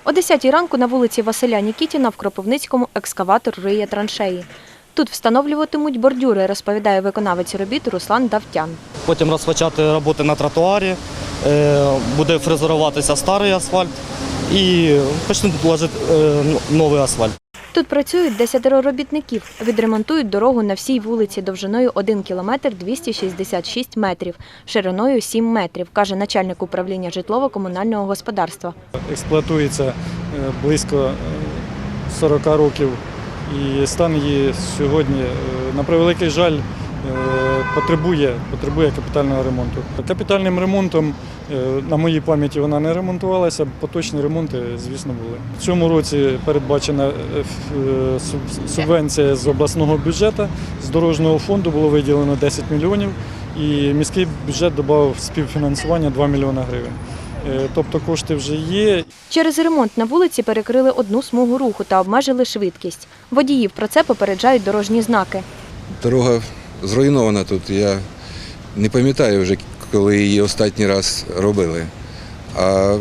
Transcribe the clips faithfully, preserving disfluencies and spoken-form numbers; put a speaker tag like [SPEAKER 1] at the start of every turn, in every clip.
[SPEAKER 1] О десятій ранку на вулиці Василя Нікітіна в Кропивницькому екскаватор риє траншеї. Тут встановлюватимуть бордюри, розповідає виконавець робіт Руслан Давтян.
[SPEAKER 2] Потім розпочати роботи на тротуарі, буде фрезеруватися старий асфальт і почнуть ложити новий асфальт.
[SPEAKER 1] Тут працюють десятеро робітників. Відремонтують дорогу на всій вулиці довжиною один кілометр двісті шістдесят шість метрів, шириною сім метрів, каже начальник управління житлово-комунального господарства.
[SPEAKER 3] Експлуатується близько сорока років і стан її сьогодні, на превеликий жаль, потребує, потребує капітального ремонту. Капітальним ремонтом, на моїй пам'яті, вона не ремонтувалася, поточні ремонти, звісно, були. В цьому році передбачена субвенція з обласного бюджету, з дорожнього фонду було виділено десять мільйонів і міський бюджет додав співфінансування два мільйони гривень. Тобто кошти вже є.
[SPEAKER 1] Через ремонт на вулиці перекрили одну смугу руху та обмежили швидкість. Водіїв про це попереджають дорожні знаки.
[SPEAKER 4] Дорога зруйнована тут. Я не пам'ятаю вже, коли її останній раз робили. А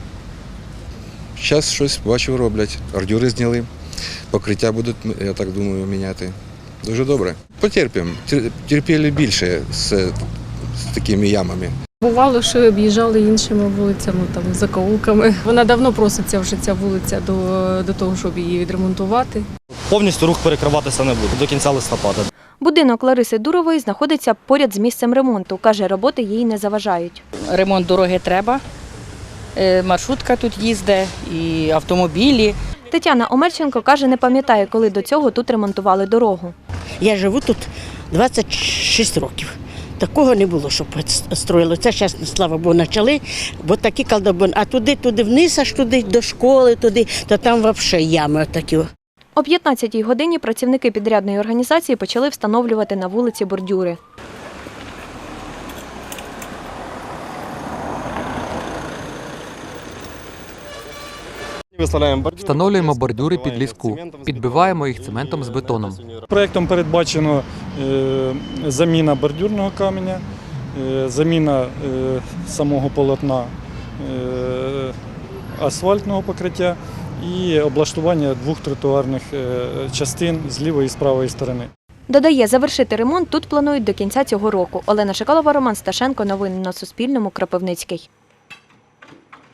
[SPEAKER 4] зараз щось, бачу, роблять. Бордюри зняли, покриття будуть, я так думаю, міняти. Дуже добре. Потерпимо. Терпіли більше з, з такими ямами.
[SPEAKER 5] Бувало, що об'їжджали іншими вулицями, там, закоулками. Вона давно проситься вже ця вулиця до, до того, щоб її відремонтувати.
[SPEAKER 2] Повністю рух перекриватися не буде до кінця листопада.
[SPEAKER 1] Будинок Лариси Дурової знаходиться поряд з місцем ремонту. Каже, роботи їй не заважають.
[SPEAKER 6] Ремонт дороги треба, маршрутка тут їздить, і автомобілі.
[SPEAKER 1] Тетяна Омельченко каже, не пам'ятає, коли до цього тут ремонтували дорогу.
[SPEAKER 7] Я живу тут двадцять шість років. Такого не було, щоб строїли. Це зараз, слава Богу, почали, бо такі колдобини. А туди, туди вниз, аж туди, до школи, туди, то там взагалі ями такі.
[SPEAKER 1] О п'ятнадцятій годині працівники підрядної організації почали встановлювати на вулиці бордюри.
[SPEAKER 8] Встановлюємо бордюри під ліску, підбиваємо їх цементом з бетоном.
[SPEAKER 3] Проєктом передбачено заміна бордюрного каменя, заміна самого полотна асфальтного покриття і облаштування двох тротуарних частин з лівої і з правої сторони.
[SPEAKER 1] Додає, завершити ремонт тут планують до кінця цього року. Олена Шикалова, Роман Сташенко. Новини на Суспільному. Кропивницький.